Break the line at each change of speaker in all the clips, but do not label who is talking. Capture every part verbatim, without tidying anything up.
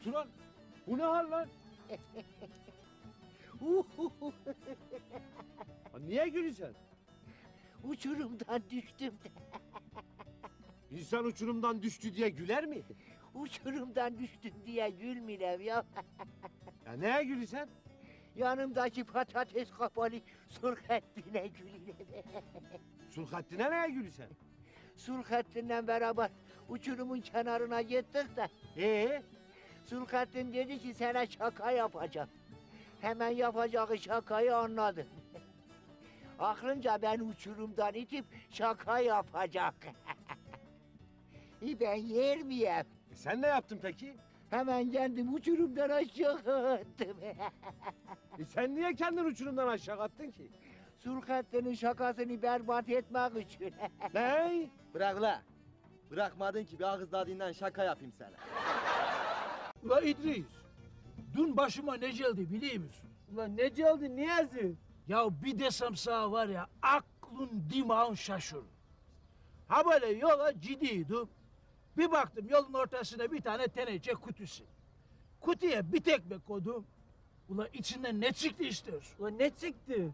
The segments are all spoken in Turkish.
Turan, bu ne hal lan? Ha, niye gülüyorsun?
Uçurumdan düştüm de.
İnsan uçurumdan düştü diye güler mi?
Uçurumdan düştüm diye gülmürem ya.
Ya neye gülüyorsun?
Yanımdaki patates kapalı Sulhattin'e gülürem.
Sulhattin'e neye gülüyorsun?
Sulhattin'le beraber uçurumun kenarına gittik de.
Ee?
Sulhattin dedi ki sana şaka yapacağım. Hemen yapacağı şakayı anladım. Aklınca ben uçurumdan itip şaka yapacak. E ben yer miyim?
E sen ne yaptın peki?
Hemen kendim uçurumdan aşağı attım.
E sen niye kendini uçurumdan aşağı attın ki?
Sulhattin'in şakasını berbat etmek için.
Ne?
Bırak la. Bırakmadın ki bir ağız tadından şaka yapayım sana.
Ula İdris, dün başıma ne geldi biliyor musun?
Ulan ne geldi Niyazi?
Ya bir desem sana var ya, aklın dimağın şaşırır. Ha böyle yola ciddiydim. Bir baktım yolun ortasına bir tane teneke kutusu. Kutuya bir tekme koydum. Ula içinden ne çıktı istiyorsun?
Ulan ne çıktı?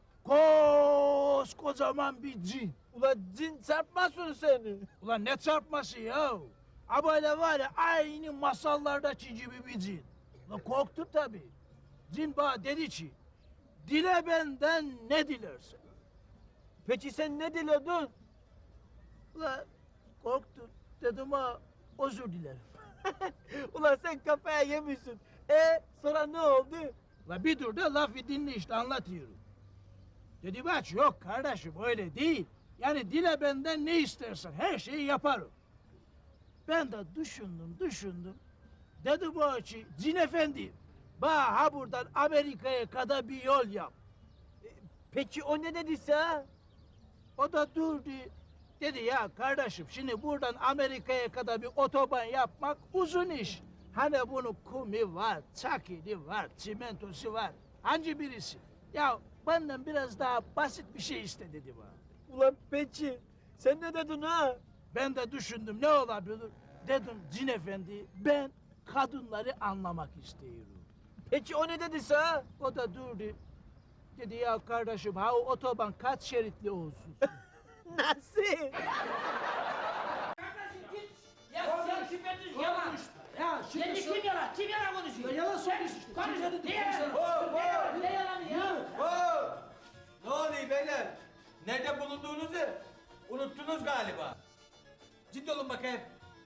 Koskocaman bir cin.
Ulan cin çarpmasın seni.
Ulan ne çarpması ya? Ha böyle var ya, aynı masallardaki gibi bir cin. Ulan korktum tabii. Cin bana dedi ki, dile benden ne dilersen.
Peki sen ne diledin?
Ulan korktum. Dedim ha, özür dilerim.
Ulan sen kafaya yemişsin. E sonra ne oldu?
Ulan bir dur da lafı dinle işte, anlatıyorum. Dedi bak, yok kardeşim öyle değil. Yani dile benden ne istersen her şeyi yaparım. Ben de düşündüm düşündüm. Dedi bu ki, cin efendi, bana ha buradan Amerika'ya kadar bir yol yap.
Peki o ne dediyse?
O da durdu. Dedi ya kardeşim, şimdi buradan Amerika'ya kadar bir otoban yapmak uzun iş. Hani bunun kumi var, çakili var, çimentosu var. Hangi birisi? Ya benden biraz daha basit bir şey iste dedi bana.
Ulan peki sen ne dedin ha?
Ben de düşündüm ne olabilir? Dedim cin efendi, ben kadınları anlamak istiyorum.
Peki o ne dediyse?
O da durdu. Dedi ya kardeşim, ha o otoban kaç şeritli olsun?
Nasıl?
Ya sen şüphesiz yalan.
Ya şimdi
Şimdi
sor-
kim yalan? Kim yalan konuşuyor?
Ya yalan söylüyorsun işte.
Konuş.
Kim dedi
Ne
diyorum
yalan?
sana?
Ne yalanı ya?
Oo! Ne oluyor beyler? Nerede bulunduğunuzu unuttunuz galiba. Ciddi olun bakayım.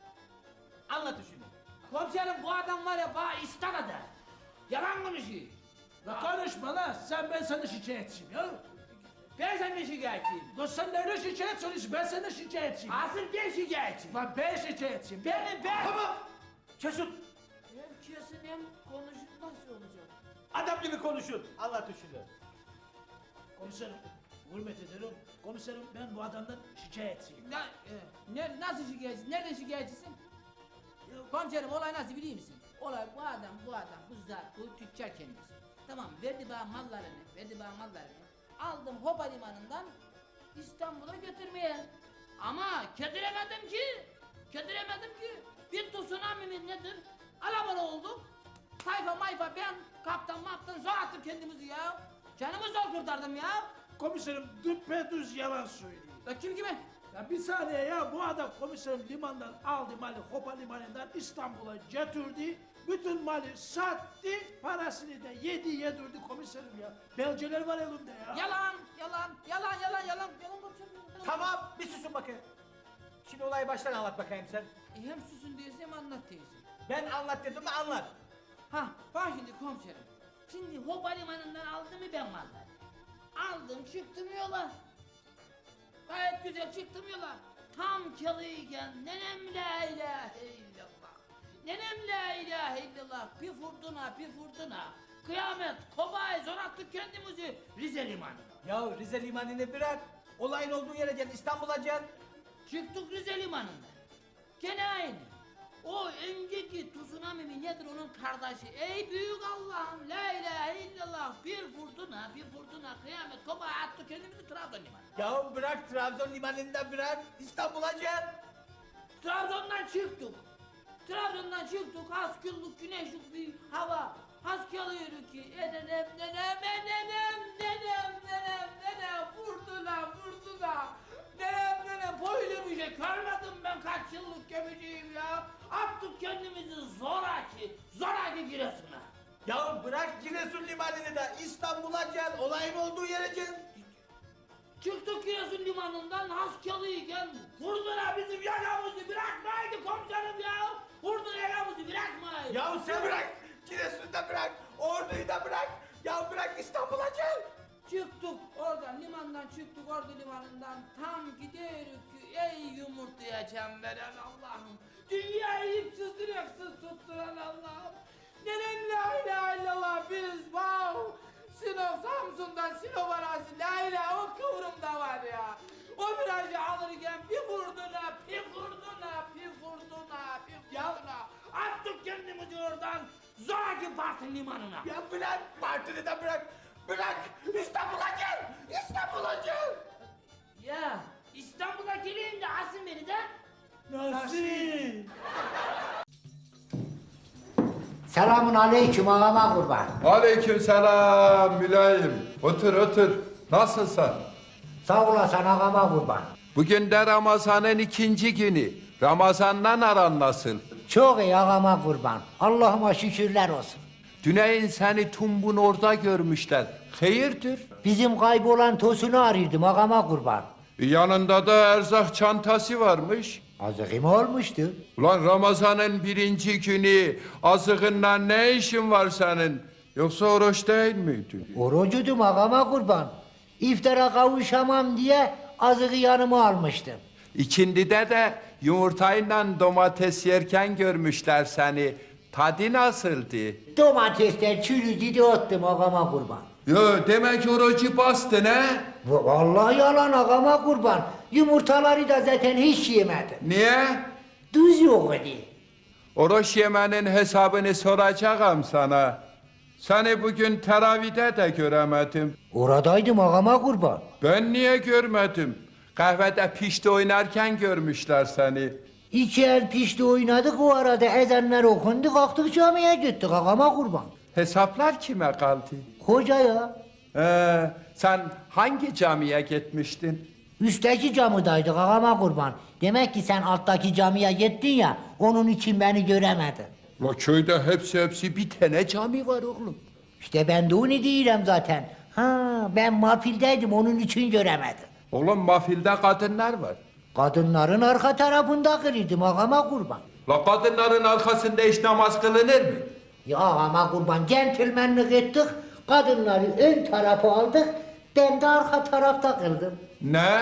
Anlatın şunu.
Komiserim bu adam var ya bana istanadı. Yalan konuşuyor.
La konuşma la, sen ben sana şikayetçiyim ya.
Ben senden şikayetçiyim.
La sen nerede şikayet soruyorsun, ben sana şikayetçiyim.
Asıl ben şikayetçiyim.
Lan ben şikayetçiyim.
Benim ben.
Tamam. Kesin.
Hem kesin hem konuşun nasıl olacak?
Adam gibi konuşun. Anlatın şunu.
Komiserim, hürmet ederim. Komiserim, ben bu adamdan şikayetçiyim.
Na, e, ne, nasıl şikayetçisin? Nereden şikayetçisin? Komiserim olay nasıl biliyor musun? Olay bu adam, bu adam, bu zat, bu tüccar kendisi. Tamam, verdi bana mallarını, verdi bana mallarını. Aldım Hopa limanından İstanbul'a götürmeye. Ama kediremedim ki, kediremedim ki. Bir tsunami mi nedir? Alabora olduk. Tayfa mayfa ben kaptan maptan zor attım kendimizi ya. Canımı zor kurtardım ya.
Komiserim, düpedüz yalan söylüyor.
Ya kim kime?
Ya bir saniye ya, bu adam komiserim limandan aldı malı, Hopa limanından İstanbul'a götürdü. Bütün malı sattı, parasını da yedi yedirdi komiserim ya. Belgeler var elimde ya.
Yalan, yalan, yalan, yalan, yalan, yalan komiserim. yalan.
Tamam bir susun bakayım. Şimdi olayı baştan anlat bakayım sen.
E, hem susun diyorsun hem anlat diyorsun.
Ben anlat dedim mi anlat.
Ha bak şimdi komiserim. Şimdi Hopa limanından aldım mı ben malları? Aldım çıktım yola. Gayet güzel çıktım yola. Tam çalıyken nenem la ilahe illallah. Nenem la ilahe illallah. Bir fırtına bir fırtına. Kıyamet kobay zor attık kendimizi Rize limanına.
Ya Rize limanını bırak. Olayın olduğu yere gel İstanbul'a gel.
Çıktık Rize limanında. Gene aynı. O önceki tsunami mi nedir onun kardeşi? Ey büyük Allah'ım la ilahe illallah. Bir fırtına bir fırtına kıyamet kopa attı kendimizi Trabzon limanına.
Ya bırak Trabzon limanını da bırak İstanbul'a gel.
Trabzon'dan çıktık. Trabzon'dan çıktık, az günlük güneşlik bir hava. Has kalıyoruz ki, enenem, nenem, enenem, nenem, nenem, nenem, fırtına, fırtına. Nenem, nenem, böyle bir şey görmedim ben kaç yıllık gemiciyim ya. Attık kendimizi zoraki, zoraki Giresun'a.
Ya bırak Giresun limanını da İstanbul'a gel. Olayın olduğu yere gel.
Çıktık Giresun limanından Haskalıyken vurdular bizim yakamızı bırakmaydı komiserim ya. Vurdu yakamızı bırakmaydı.
Ya sen bırak. Giresun'u da bırak. Ordu'yu da bırak. Ya bırak İstanbul'a gel.
Çıktık oradan limandan çıktık ordu limanından tam gidiyoruz ki ey yumurtaya veren Allah'ım. Dünyayı ipsiz direksiz tutturan Allah'ım. Neden la ilahe illallah biz wow. Sinop Samsun'dan Sinop arası la ilahe o kıvrımda var ya. O virajı alırken bir vurduna, bir vurduna, bir vurduna, bir vurduna. Attık kendimizi oradan zoraki Bartın limanına.
Ya bırak. Partini de bırak. Bırak. İstanbul'a gel. İstanbul'a gel.
Ya İstanbul'a geleyim de asın beni de.
Nasıl?
Selamun aleyküm ağama kurban.
Aleykümselam mülayim. Otur otur. Nasılsın?
Sağ olasın ağama kurban.
Bugün de Ramazan'ın ikinci günü. Ramazan'dan aran nasıl?
Çok iyi ağama kurban. Allah'ıma şükürler olsun.
Düneyin seni Tumbun orada görmüşler. Hayırdır?
Bizim kaybolan tosunu arıyordum ağama kurban.
Yanında da erzak çantası varmış.
Azıkım olmuştu.
Ulan Ramazan'ın birinci günü azığınla ne işin var senin? Yoksa oruç değil miydin?
Orucudum ağama kurban. İftara kavuşamam diye azığı yanıma almıştım.
İkindide de yumurtayla domates yerken görmüşler seni. Tadı nasıldı?
Domatesler çürüdü de attım ağama kurban.
Yo demek orucu bastın he?
Va- Vallahi yalan ağama kurban. Yumurtaları da zaten hiç yemedim.
Niye?
Tuz yok idi.
Oruç yemenin hesabını soracağım sana. Seni bugün teravide de göremedim.
Oradaydım ağama kurban.
Ben niye görmedim? Kahvede pişti oynarken görmüşler seni.
İki el pişti oynadık o arada ezanlar okundu kalktık camiye gittik ağama kurban.
Hesaplar kime kaldı?
Hoca ya.
Ee, sen hangi camiye gitmiştin?
Üstteki camidaydık ağama kurban. Demek ki sen alttaki camiye gittin ya onun için beni göremedin.
La köyde hepsi hepsi bir tane cami var oğlum.
İşte ben de onu diyorum zaten. Ha ben mafildeydim onun için göremedim.
Oğlum mafilde kadınlar var.
Kadınların arka tarafında kırıydım ağama kurban.
La kadınların arkasında hiç namaz kılınır mı?
Ya ağama kurban centilmenlik ettik. Kadınları ön tarafa aldık. Ben de arka tarafta kıldım.
Ne?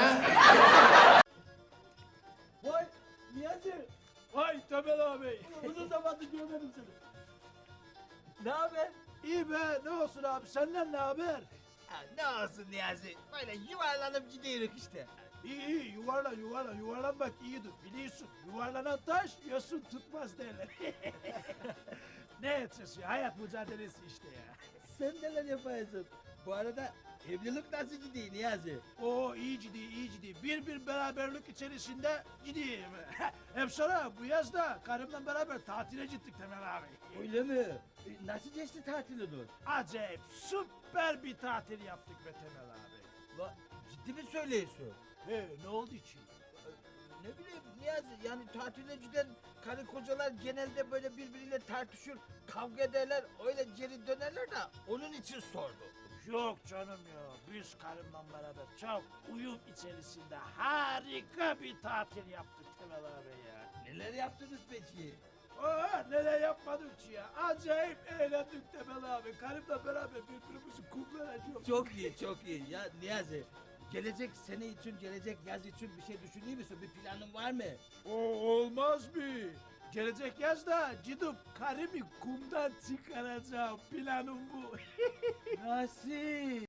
Vay Niyazi.
Vay Temel abi.
Uzun zamandır görmedim seni. Ne haber?
İyi be ne olsun abi senden ne haber?
Ha, ne olsun Niyazi. Böyle yuvarlanıp gidiyoruz işte.
İyi iyi yuvarlan yuvarlan yuvarlanmak iyidir biliyorsun. Yuvarlanan taş yosun tutmaz derler. Ne edeceğiz ya hayat mücadelesi işte ya.
Sen neler yapıyorsun? Bu arada evlilik nasıl gidiyor Niyazi?
Oo iyi ciddi iyi ciddi. Bir bir beraberlik içerisinde gideyim. Hem sonra bu yaz da karımla beraber tatile gittik Temel abi.
Öyle mi? E, nasıl geçti tatili dur?
Acayip süper bir tatil yaptık be Temel abi.
La, ciddi mi söylüyorsun?
He ne oldu ki?
Ne bileyim Niyazi yani tatile giden karı kocalar genelde böyle birbiriyle tartışır, kavga ederler, öyle geri dönerler de onun için sordum.
Yok canım ya. Biz karımla beraber çok uyum içerisinde harika bir tatil yaptık Temel abi ya.
Neler yaptınız peki?
Aa, neler yapmadık ki ya. Acayip eğlendik Temel abi. Karımla beraber birbirimizi kumlanacağız.
Çok iyi, çok iyi. Ya Niyazi, gelecek sene için, gelecek yaz için bir şey düşünüyor musun? Bir planın var mı?
O olmaz mı? Gelecek yazda gidip karımı kumdan çıkaracağım. Planım bu.
Nasıl?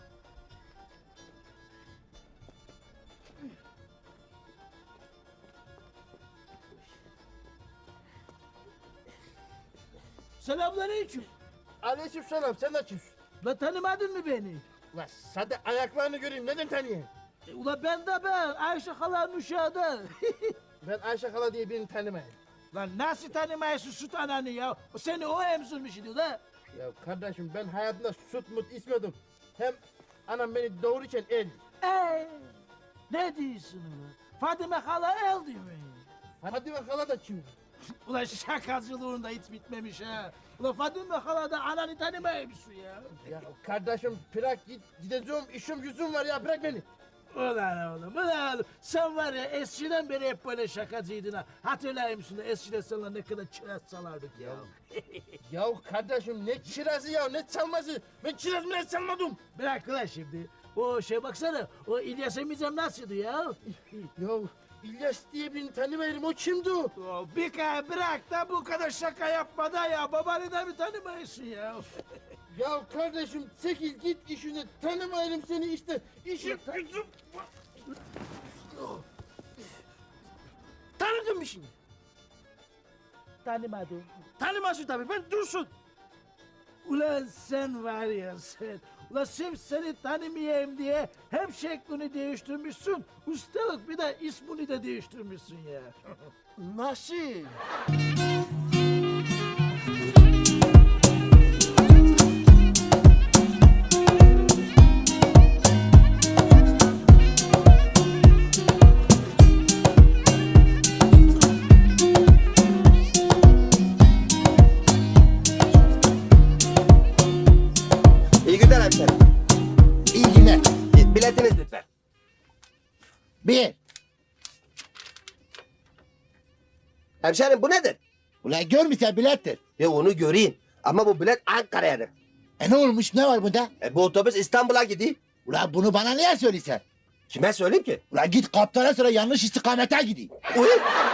Selamünaleyküm.
Aleykümselam sen de kimsin?
La tanımadın mı beni?
Ulan sen de ayaklarını göreyim neden tanıyayım?
E, ula ben de ben. Ayşe halanın uşağı da.
Ben Ayşe Kala diye birini tanımayayım.
Lan nasıl tanımayasın süt ananı ya? O seni o emzirmiş idi la.
Ya kardeşim ben hayatımda süt mut içmedim. Hem anam beni doğururken el.
Ee, ne diyorsun ulan? Fadime hala el değil mi?
Fadime hala da kim?
Ulan şakacılığında hiç bitmemiş ha. Ulan Fadime hala da ananı tanımaymışsın ya.
Ya kardeşim bırak git gideceğim işim yüzüm var ya bırak beni.
Ulan oğlum, ulan oğlum. Sen var ya eskiden beri hep böyle şakacıydın ha. Hatırlar mısın da eskiden sana ne kadar çerez salardık ya.
Ya kardeşim ne kirazı ya ne çalması? Ben kiraz bile çalmadım.
Bırak ulan şimdi. O şey baksana, o İlyas Emizem nasıldı ya?
Ya İlyas diye birini tanımıyorum o kimdi o?
O bir kere bırak da bu kadar şaka yapma da ya. Babanı da mı tanımayısın ya?
Ya kardeşim çekil git işine tanımıyorum seni işte işim gücüm. Tanıdın mı şimdi?
Tanımadım.
Tanımasın tabii ben Dursun.
Ulan sen var ya sen. Ulan sırf seni tanımayayım diye hem şeklini değiştirmişsin. Ustalık bir de ismini de değiştirmişsin ya.
Nasıl?
İyi günler hemşerim.
İyi günler.
Biletiniz lütfen.
Bir.
Hemşerim bu nedir?
Ulan görmüşsen bilettir.
Ya onu göreyim. Ama bu bilet Ankara'yadır.
E ne olmuş ne var bunda?
E, bu otobüs İstanbul'a gidiyor.
Ulan bunu bana niye söylesen?
Kime söyleyeyim ki?
Ulan git kaptana sonra yanlış istikamete gideyim.
Uy.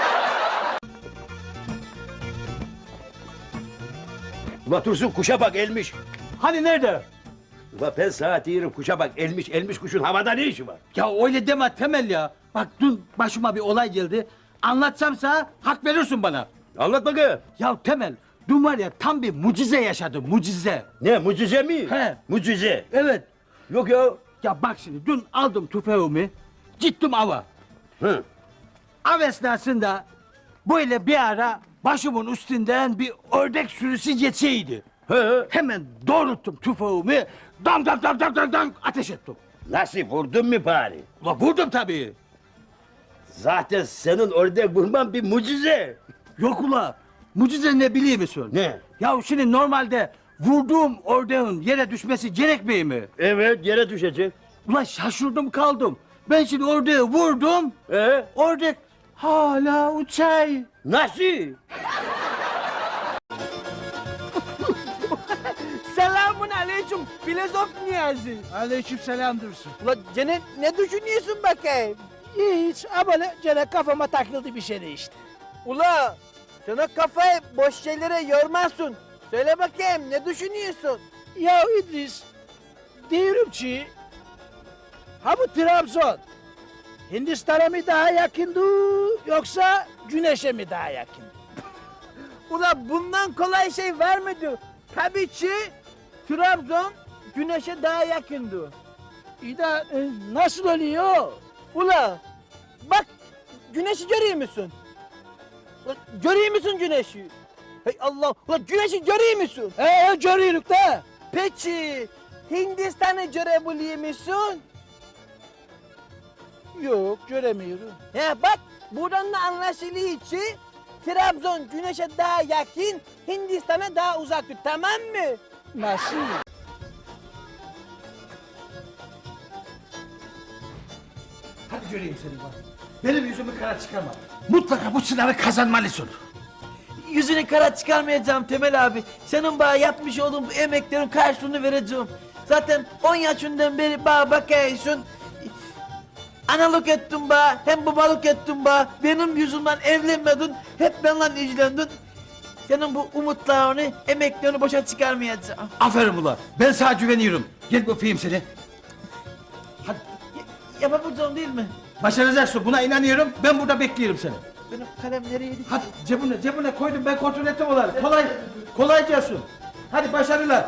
Ula Dursun kuşa bak elmiş.
Hani nerede?
Ula ben sana diyorum kuşa bak elmiş elmiş kuşun havada ne işi var?
Ya öyle deme Temel ya. Bak dün başıma bir olay geldi. Anlatsam sana hak verirsin bana.
Anlat bakayım.
Ya Temel dün var ya tam bir mucize yaşadım mucize.
Ne mucize mi?
He.
Mucize.
Evet.
Yok ya.
Ya bak şimdi dün aldım tüfeğimi. Gittim ava.
Hı.
Av esnasında böyle bir ara başımın üstünden bir ördek sürüsü geçeydi.
He.
Hemen doğrulttum tüfeğimi. Dam dam dam dam dam dam ateş ettim.
Nasıl vurdun mu bari?
Ula vurdum tabii.
Zaten senin ördek vurman bir mucize.
Yok ula. Mucize ne biliyor musun?
Ne?
Ya şimdi normalde vurduğum ördeğin yere düşmesi gerekmiyor mi?
Evet yere düşecek.
Ula şaşırdım kaldım. Ben şimdi ördeği vurdum.
Ee?
Ördek hala uçay.
Nasıl?
Selamun aleyküm filozof Niyazi.
Aleyküm selam Dursun.
Ula gene ne düşünüyorsun bakayım?
Hiç ama ne gene kafama takıldı bir şey işte.
Ula sana kafayı boş şeylere yormazsın. Söyle bakayım ne düşünüyorsun?
Ya İdris, diyorum ki, ha bu Trabzon, Hindistan'a mı daha yakındı yoksa Güneş'e mi daha yakın?
Ula bundan kolay şey var mıydı? Tabii ki Trabzon güneşe daha yakındı.
İyi de e, nasıl oluyor?
Ula bak güneşi görüyor musun? Ula, görüyor musun güneşi? Hey Allah, ula güneşi görüyor musun?
Ee, görüyoruz da.
Peki Hindistan'ı görebiliyor musun?
Yok, göremiyorum.
He bak buradan da anlaşılıyor ki Trabzon güneşe daha yakın, Hindistan'a daha uzaktır, tamam mı?
Nasıl?
Hadi göreyim seni bak. Benim yüzümü kara çıkarma. Mutlaka bu sınavı kazanmalısın.
Yüzünü kara çıkarmayacağım Temel abi. Senin bana yapmış olduğun bu emeklerin karşılığını vereceğim. Zaten on yaşından beri bana bakıyorsun. Analık ettin bana, hem babalık ettin bana. Benim yüzümden evlenmedin, hep benimle ilgilendin. Senin bu umutlarını, emeklerini boşa çıkarmayacağım.
Aferin ulan. Ben sana güveniyorum. Gel öpeyim seni. Hadi
Yapabileceğim değil mi?
başaracaksın. Buna inanıyorum. Ben burada bekliyorum seni.
Benim kalem nereydi?
Hadi cebine cebine koydum. Ben kontrol ettim onları. Kolay kolay gelsin. Hadi başarılar.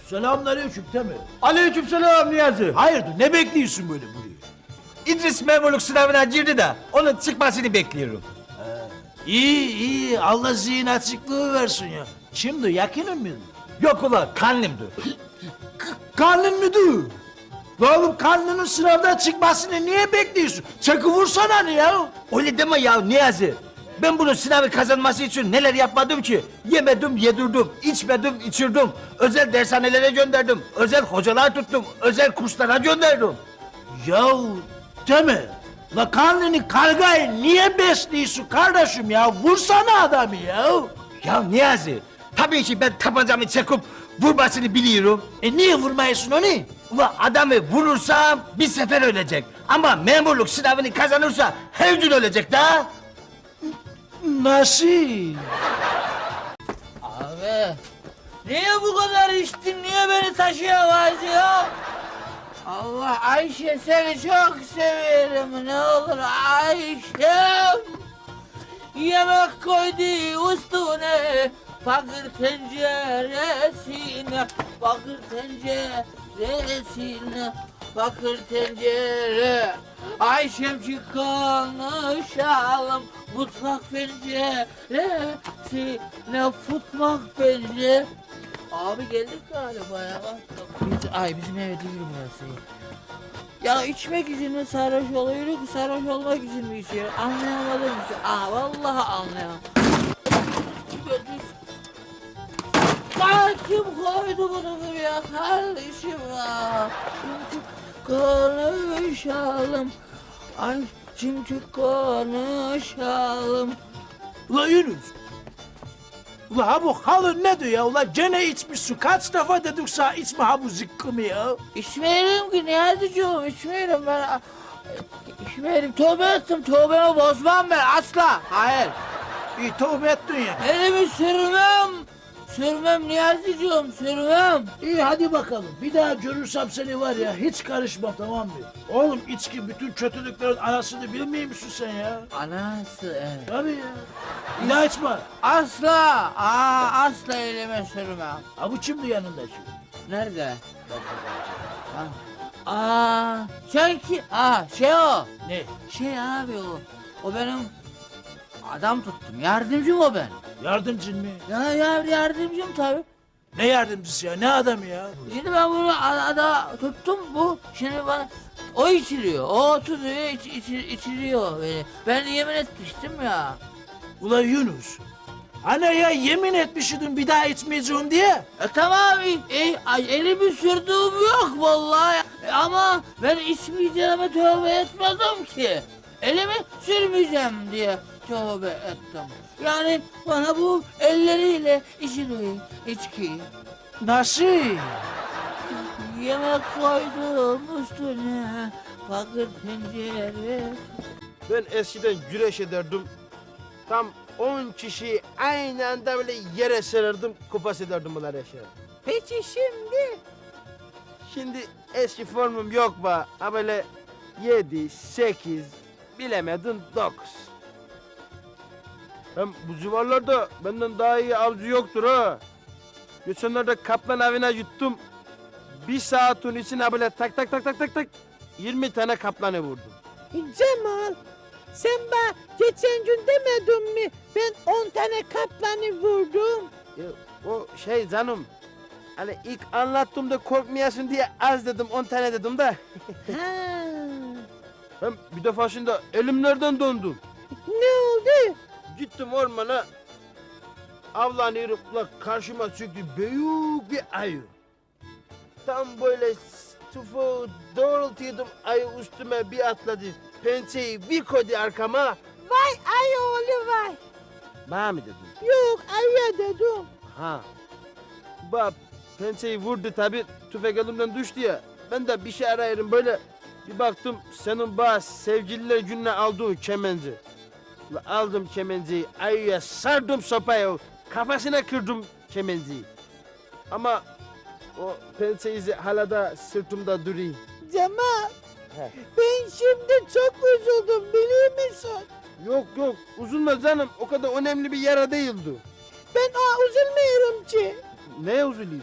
Selamünaleyküm Temel.
Aleykümselam Niyazi.
Hayırdır ne bekliyorsun böyle buraya?
İdris memurluk sınavına girdi de onun çıkmasını bekliyorum.
İyi iyi Allah zihin açıklığı versin ya. Şimdi yakının mıydı?
Yok ulan kanlimdi.
Karnın müdür? La oğlum karnının sınavdan çıkmasını niye bekliyorsun? Çakıvursana ne ya?
Öyle deme ya Niyazi. Ben bunun sınavı kazanması için neler yapmadım ki? Yemedim, yedirdim, içmedim, içirdim. Özel dershanelere gönderdim, özel hocalar tuttum, özel kurslara gönderdim.
Yahu Temel, la karnını kargayı niye besliyorsun kardeşim ya? Vursana adamı ya.
Ya Niyazi, tabii ki ben tabancamı çekip vurmasını biliyorum.
E niye vurmayasın onu?
Ulan adamı vurursam bir sefer ölecek. Ama memurluk sınavını kazanırsa her gün ölecek da.
Nasıl?
Abi niye bu kadar içtin? Niye beni taşıyamaz ya? Allah Ayşe seni çok severim ne olur Ayşem. Yemek koydu üstüne bakır tenceresine bakır tenceresine bakır tencere. Ayşem konuşalım mutfak penceresine futmak pencere. Abi geldik galiba ya. Biz, ay bizim eve değil burası. Ya içmek için mi sarhoş oluyoruz, sarhoş olmak için mi içiyoruz? Anlayamadım ki. Aa vallahi anlayamadım. Aa, kim koydu bunu buraya kardeşim ya? Çünkü konuşalım. Ay çünkü konuşalım.
Ula Yunus. Ula ha bu halı ne diyor ya? Ula gene içmişsin. Kaç defa dedik sana içme ha bu zıkkımı ya.
İçmeyelim ki Niyazi'cığım, içmeyelim ben. İçmeyelim, tövbe ettim, tövbemi bozmam ben asla. Hayır.
İyi tövbe ettin ya.
Elimi sürmem. Sürmem Niyazi'cığım, sürmem.
İyi hadi bakalım. Bir daha görürsem seni var ya hiç karışma tamam mı? Oğlum içki bütün kötülüklerin anasını bilmiyor musun sen ya?
Anası evet.
Tabii ya. Bir daha içme.
Asla, aa, asla elime sürmem.
Ha bu kimdi yanında şimdi?
Nerede? Ha. Aa, şey ki, aa, şey o.
Ne?
Şey abi o. O benim adam tuttum. Yardımcım o ben.
Yardımcın mı?
Ya, ya yardımcım tabii.
Ne yardımcısı ya? Ne adamı ya?
Şimdi ben bunu ada tuttum bu. Şimdi bana o içiliyor. O tutuyor, iç, iç, içiliyor beni. Ben yemin etmiştim ya.
Ula Yunus. Hani ya yemin etmişydin bir daha içmeyeceğim diye.
E, tamam, e, ay, elimi sürdüğüm yok vallahi. E, ama ben içmeyeceğime tövbe etmedim ki. Elimi sürmeyeceğim diye tövbe ettim. Yani bana bu elleriyle içiliyor içki.
Nasıl?
Yemek koydum üstüne bakır tencere.
Ben eskiden güreş ederdim. Tam on kişiyi aynı anda böyle yere serirdim, kupas ederdim bunlar eşya.
Peki şimdi?
Şimdi eski formum yok ba. Ha böyle yedi, sekiz, bilemedin dokuz. Hem bu civarlarda benden daha iyi avcı yoktur ha. Geçenlerde kaplan avına yuttum. Bir saatin içine böyle tak tak tak tak tak tak yirmi tane kaplanı vurdum.
Cemal, sen bana geçen gün demedin mi? Ben on tane kaplanı vurdum.
Ya, o şey canım. Hani ilk anlattığımda korkmayasın diye az dedim, on tane dedim de.
Ha.
Ben bir defasında elimlerden döndüm.
Ne oldu?
Gittim ormana, avlanıyorum. Ulan karşıma çıktı büyük bir ayı. Tam böyle tufu doğrultuyordum, ayı üstüme bir atladı. Pençeyi bir koydu arkama.
Vay ay oğlu vay.
Bana mı dedin?
Yok ayıya dedim.
Ha. Bak pençeyi vurdu tabi, tüfek elimden düştü ya. Ben de bir şey arayırım böyle. Bir baktım senin bazı sevgililer gününe aldığın kemenci. Ulan aldım kemenciyi, ayıya sardım sopayı, kafasına kırdım kemenciyi. Ama o pençe izi hala da sırtımda duruyor.
Cemal,
He.
ben şimdi çok üzüldüm biliyor musun?
Yok yok, üzülme canım, o kadar önemli bir yara değildi.
Ben aa, üzülmüyorum ki.
Neye üzülüyorsun?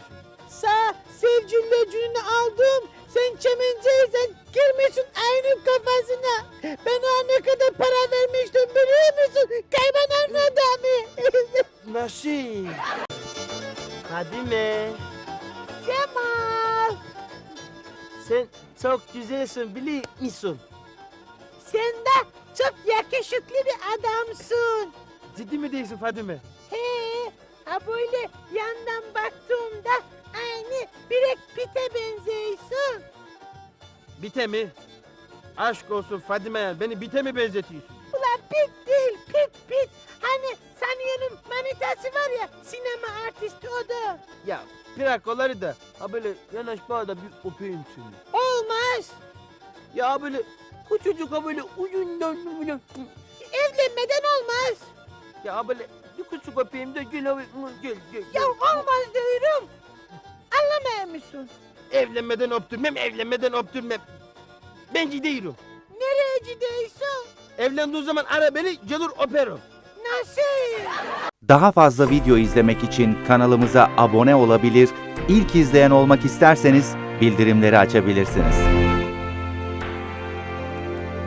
Sağ sevgililer gününü aldım. Sen çemenceysen girmişsin aynı kafasına. Ben ona ne kadar para vermiştim biliyor musun? Kaybolan adamı.
Nasıl? Fadime,
Cemal.
sen çok güzelsin biliyor musun?
Sen de çok yakışıklı bir adamsın.
Ciddi mi değilsin Fadime?
He, ha böyle yandan baktığımda aynı Brad Pitt'e benziyorsun.
Bite mi? Aşk olsun Fadime ya, beni bite mi benzetiyorsun?
Ulan Pitt değil, Pitt Pitt. Hani Saniye'nin manitası var ya, sinema artisti o da.
Ya bırak onları da, ha böyle yanaş bana da bir öpeyim seni.
Olmaz.
Ya böyle küçücük ha böyle uyundan böyle.
Evlenmeden olmaz.
Ya böyle bir küçük öpeyim de gel abi, gel gel.
Ya olmaz diyorum. Anlamıyor musun?
Evlenmeden öptürmem, evlenmeden öptürmem. Ben gidiyorum.
Nereye gidiyorsun?
Evlendiği zaman ara beni, gelir öperim.
Nasıl?
Daha fazla video izlemek için kanalımıza abone olabilir, ilk izleyen olmak isterseniz bildirimleri açabilirsiniz.